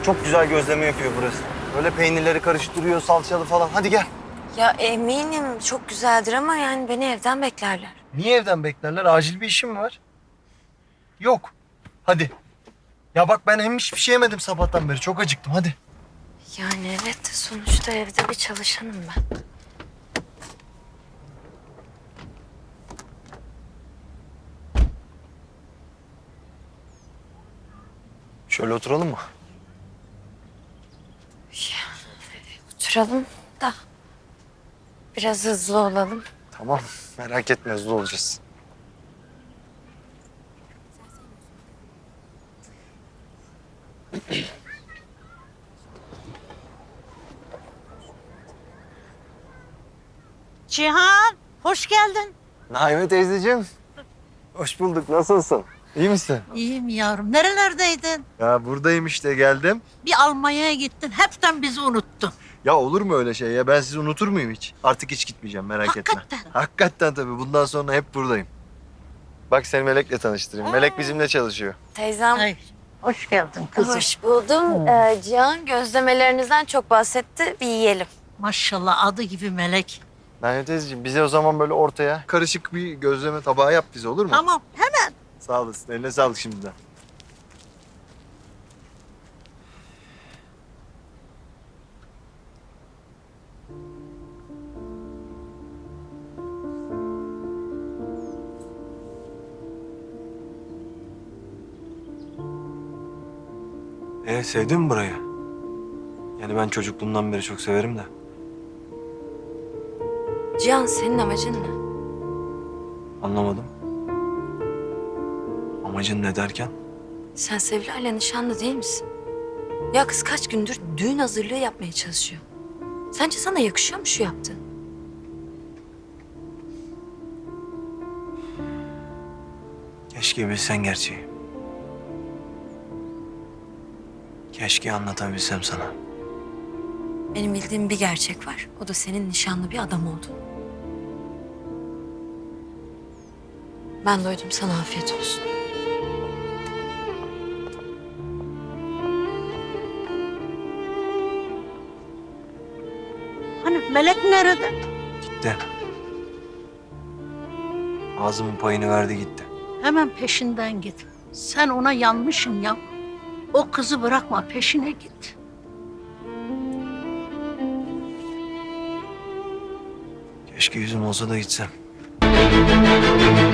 çok güzel gözleme yapıyor burası. Böyle peynirleri karıştırıyor, salçalı falan. Hadi gel. Ya eminim çok güzeldir ama yani beni evden beklerler. Niye evden beklerler? Acil bir işim mi var? Yok. Hadi. Ya bak ben hem hiçbir şey yemedim sabahtan beri. Çok acıktım. Hadi. Yani evet sonuçta evde bir çalışanım ben. Şöyle oturalım mı? Oturalım da biraz hızlı olalım. Tamam. Merak etme, hızlı olacağız. Cihan, hoş geldin. Naime teyzeciğim. Hoş bulduk. Nasılsın? İyi misin? İyiyim yavrum. Nerelerdeydin? Ya buradayım işte, geldim. Bir Almanya'ya gittin. Hepten bizi unuttun. Ya olur mu öyle şey ya? Ben sizi unutur muyum hiç? Artık hiç gitmeyeceğim, merak etme. Hakikaten. Hakikaten tabii. Bundan sonra hep buradayım. Bak seni Melek'le tanıştırayım. Melek bizimle çalışıyor. Teyzem Ay, hoş geldin kızım. hoş buldum. Cihan gözlemelerinizden çok bahsetti. Bir yiyelim. Maşallah adı gibi melek. Naime teyzeciğim, bize o zaman böyle ortaya karışık bir gözleme tabağı yap bize, olur mu? Tamam, hemen. Sağ olasın. Eline sağlık şimdiden. Sevdin mi burayı? Yani ben çocukluğumdan beri çok severim de. Cihan senin amacın ne? Anlamadım. Amacın ne derken? Sen Sevilay'la nişanlı değil misin? Ya kız kaç gündür düğün hazırlığı yapmaya çalışıyor. Sence sana yakışıyor mu şu yaptığın? Keşke bilsen gerçeği. Keşke anlatabilsem sana. Benim bildiğim bir gerçek var. O da senin nişanlı bir adam oldun. Ben doydum, sana afiyet olsun. Hani melek nerede? Gitti. Ağzımın payını verdi gitti. Hemen peşinden git. Sen ona yanmışsın ya. O kızı bırakma, peşine git. Keşke yüzüm olsa da gitsem.